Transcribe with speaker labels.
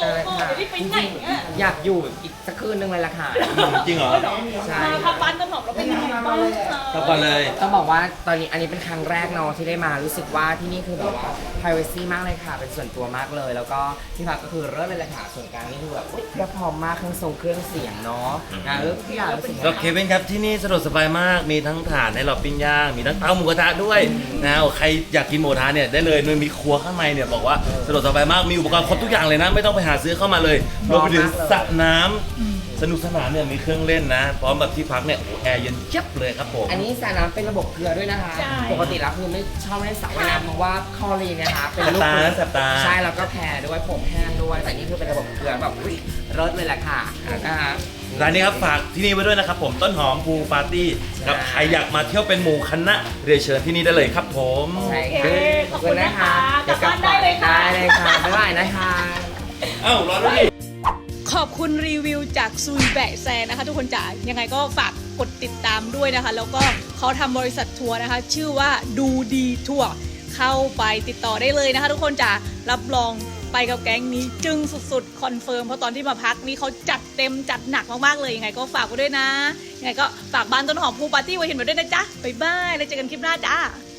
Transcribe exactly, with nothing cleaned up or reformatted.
Speaker 1: โหเดี๋ยวนี้ไปไหนอ่ะ
Speaker 2: อยากอยู่อีกสักคืนนึงเลยล่ะค่ะ
Speaker 3: จริงเหรอ
Speaker 2: ใช่
Speaker 1: มาพักบ้านต้นหอมเราเป็นยังไงบ้างคะ
Speaker 3: ตบก่อนเลย
Speaker 2: ต้องบอกว่าตอนนี้อันนี้เป็นครั้งแรกเนาะที่ได้มารู้สึกว่าที่นี่คือแบบว่า privacy มากเลยค่ะ เป็นส่วนตัวมากเลย แล้วก็ที่พักก็คือเริ่มเลยแหละค่ะส่วนกลางนี่คือแบบอุ๊ยเพียบพร้อมมากเครื่องทรงเครื่องเสียงเนาะนะเออพี่อยากรู้สึก
Speaker 3: ก็เควินครับที่นี่สะดวกสบายมากมีทั้งถ่านให้เราปิ้งย่างมีทั้งเตาหมูกระทะด้วยนะใครอยากกินหมูกระทะเนี่ยได้เลยมันมีครัวข้างในเนี่ยบอกว่าสะดวกสบายมากมีอุปกรณ์ครบทุกอย่างเลยนะไม่ต้องไปหาซื้อเข้ามาเลยรวมไปถึงสระน้ำสนุกสนานเนี่ยมีเครื่องเล่นนะพร้อมแบบที่พักเนี่ยโอ้แอร์เย็นเจี๊ยบเลยครับผม
Speaker 2: อันนี้สระน้ำเป็นระบบเกลือด้วยนะคะ ปกติแล้วคือไม่ชอบเล่นสระว่ายน้ำเพราะว่าคลอรีนนะคะเป็นลูก
Speaker 3: แสบตาแสบตา
Speaker 2: ใช่แล้วก็แพ้ด้วยผมแห้งด้วยแต่นี่คือเป็นระบบเกลือแบบอุ๊ยรสเลยแหละค่ะนะคะ
Speaker 3: ร้านนี้ครับฝากที่นี่ไว้ด้วยนะครับผมต้นหอมพูปาร์ตี้ครับใครอยากมาเที่ยวเป็นหมู่คณะเรียนเชิญที่นี่ได้เลยครับผม
Speaker 2: ใช่
Speaker 1: โอเค
Speaker 2: ค่ะ
Speaker 1: ขอบคุณนะคะกลับบ้านได้เลยค่ะ
Speaker 2: ได้เลยค่ะบ๊ายบายนะคะ
Speaker 3: เอ้ารอด้วยดิ
Speaker 1: ขอบคุณรีวิวจากซุยแบะแซนะคะทุกคนจ๋ายังไงก็ฝากกดติดตามด้วยนะคะ แล้วก็เขาทำบริษัททัวร์นะคะ ชื่อว่าดูดีทัวร์เข้าไปติดต่อได้เลยนะคะ ทุกคนจ๋ารับรองไปกับแก๊งนี้จึงสุดๆคอนเฟิร์มเพราะตอนที่มาพักนี่เขาจัดเต็มจัดหนักมากๆเลยยังไงก็ฝากไว้ด้วยนะยังไงก็ฝากบ้านต้นหอมพูปาร์ตี้ไว้เห็นไว้ด้วยนะจ๊ะบ๊ายบายแล้วเจอกันคลิปหน้าจ้า